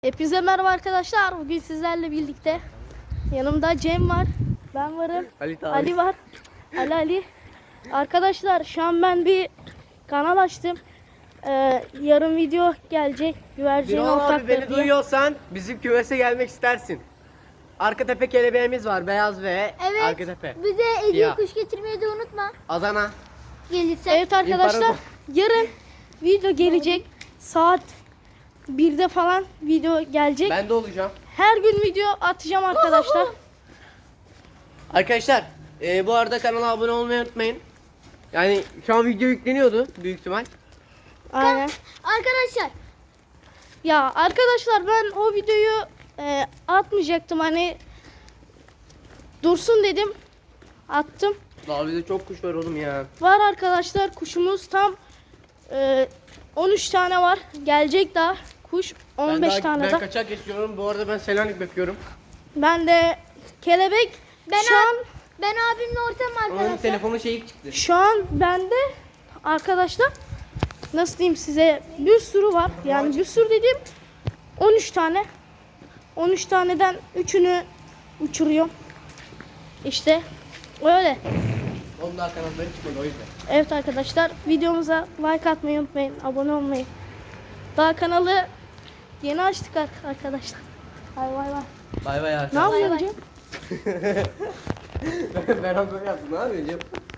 Hepinize merhaba arkadaşlar. Bugün sizlerle birlikte yanımda Cem var, ben varım, Ali var, Ali. Arkadaşlar şu an ben bir kanal açtım. Yarın video gelecek. Güvercin Birol abi beni diye. duyuyorsan bizim kümese gelmek istersin. Arka tepe kelebeğimiz var, beyaz ve Evet. arka tepe. Bize hediye Ya. kuş getirmeyi de unutma. Adana. Gelirse. Evet arkadaşlar, yarın video gelecek. Saat 1'de falan video gelecek. Ben de olacağım. Her gün video atacağım arkadaşlar. Arkadaşlar bu arada kanala abone olmayı unutmayın. Yani şu an video yükleniyordu büyük ihtimal. Aynen. Arkadaşlar Ya arkadaşlar ben o videoyu atmayacaktım, hani dursun dedim, attım. Daha bizde çok kuş var oğlum ya. Var arkadaşlar, kuşumuz tam 13 tane var, gelecek daha kuş 15 tane ben daha. kaçak geçiyorum. Bu arada ben Selanik bakıyorum. Ben de kelebek ben abimle ortam Onun arkadaşlar. telefonu şeyi çıktı. şu an bende arkadaşlar, nasıl diyeyim size, bir sürü var, yani bir sürü dediğim 13 tane. 13 taneden 3'ünü uçuruyorum. İşte öyle. Onun da kanatları çıkmadı o yüzden. Evet arkadaşlar, videomuza like atmayı unutmayın, abone olmayı. Daha kanalı yeni açtık arkadaşlar. Vay vay vay. Bay bay Ne arkadaşlar. yapıyorsun Cem? Ben böyle yaptım. Ne yapıyorsun Cem?